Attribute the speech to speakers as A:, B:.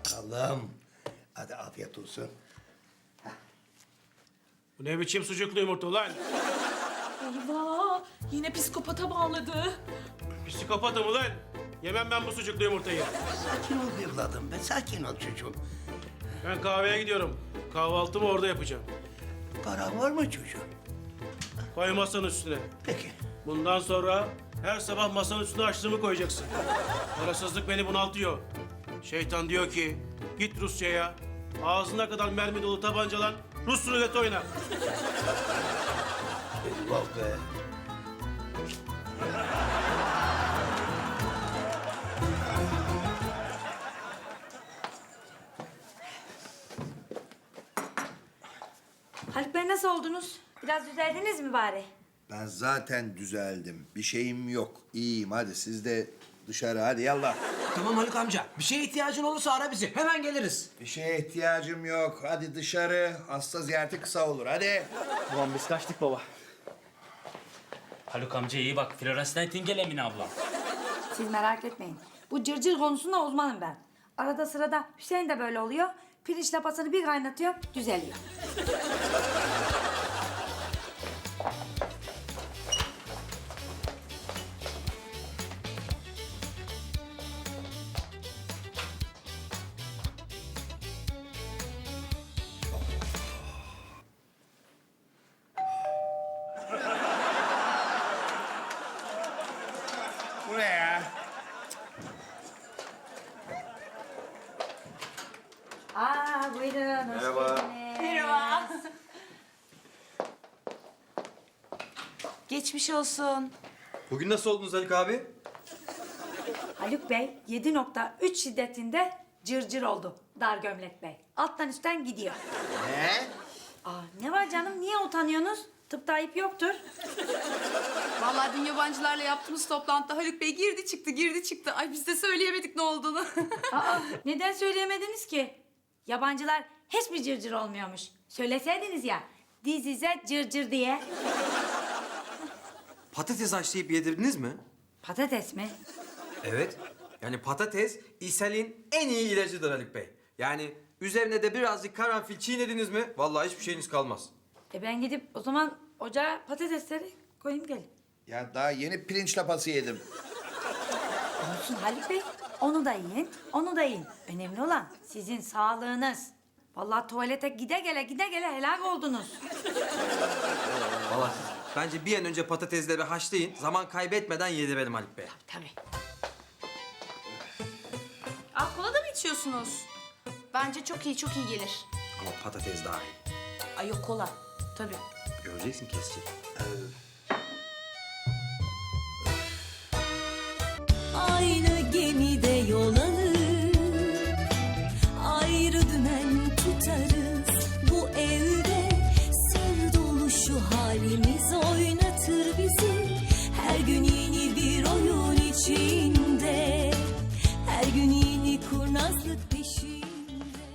A: bakalım. Hadi afiyet olsun.
B: Bu ne biçim sucuklu yumurta ulan?
C: Eyvah! Yine psikopata bağladı.
B: Psikopatım ulan. Yemem ben bu sucuklu yumurtayı.
A: Sakin ol evladım be, sakin ol çocuğum.
B: Ben kahveye gidiyorum. Kahvaltımı orada yapacağım.
A: Paran var mı çocuğum?
B: Koy masanın üstüne.
A: Peki.
B: Bundan sonra her sabah masanın üstüne açlığımı koyacaksın. Parasızlık beni bunaltıyor. Şeytan diyor ki git Rusya'ya. Ağzına kadar mermi dolu tabancalan Rus ruleti oyna.
A: Eyvah be.
D: Haluk Bey nasıl oldunuz? Biraz düzeldiniz mi bari?
E: Ben zaten düzeldim. Bir şeyim yok. İyiyim. Hadi siz de dışarı. Hadi yallah.
F: Tamam Haluk amca. Bir şeye ihtiyacın olursa ara bizi. Hemen geliriz.
E: Bir şeye ihtiyacım yok. Hadi dışarı. Hasta ziyareti kısa olur. Hadi.
G: Ulan biz kaçtık baba. Haluk amca iyi bak. Flores'ten Nightingale Emine abla.
D: Siz merak etmeyin. Bu cırcır konusunda uzmanım ben. Arada sırada Hüseyin de böyle oluyor. Pirinç lapasını bir kaynatıyor, düzeliyor.
E: Bu ne ya?
D: Buyurun.
E: Merhaba.
C: Merhaba. Geçmiş olsun.
F: Bugün nasıl oldunuz Haluk abi?
D: Haluk Bey 7.3 şiddetinde cırcır oldu. Dar gömlek bey. Alttan üstten gidiyor.
E: Ne?
D: Ne var canım? Niye utanıyorsunuz? Tıpta ayıp yoktur.
C: Vallahi dün yabancılarla yaptığımız toplantıda Haluk Bey girdi çıktı. Ay biz de söyleyemedik ne olduğunu.
D: Neden söyleyemediniz ki? Yabancılar hiç mi cırcır olmuyormuş? Söyleseydiniz ya. This is a cırcır diye.
F: Patates haşlayıp yedirdiniz mi?
D: Patates mi?
F: Evet. Yani patates ishalin en iyi ilacıdır Haluk Bey. Yani üzerine de birazcık karanfil çiğnediniz mi? Vallahi hiçbir şeyiniz kalmaz.
D: Ben gidip o zaman ocağa patatesleri koyayım gelin.
E: Ya daha yeni pirinç lapası yedim.
D: Olsun Haluk Bey. Onu da yiyin, onu da yiyin. Önemli olan sizin sağlığınız. Vallahi tuvalete gide gele helak oldunuz.
F: Vallahi bence bir an önce patatesleri haşlayın. Zaman kaybetmeden yedirelim Haluk Bey.
D: Tabii.
C: Kola da mı içiyorsunuz? Bence çok iyi gelir.
F: Ama patates daha iyi.
D: Ay yok kola. Tabii.
F: Göreceksin kesecek.
H: Aynı gemide yol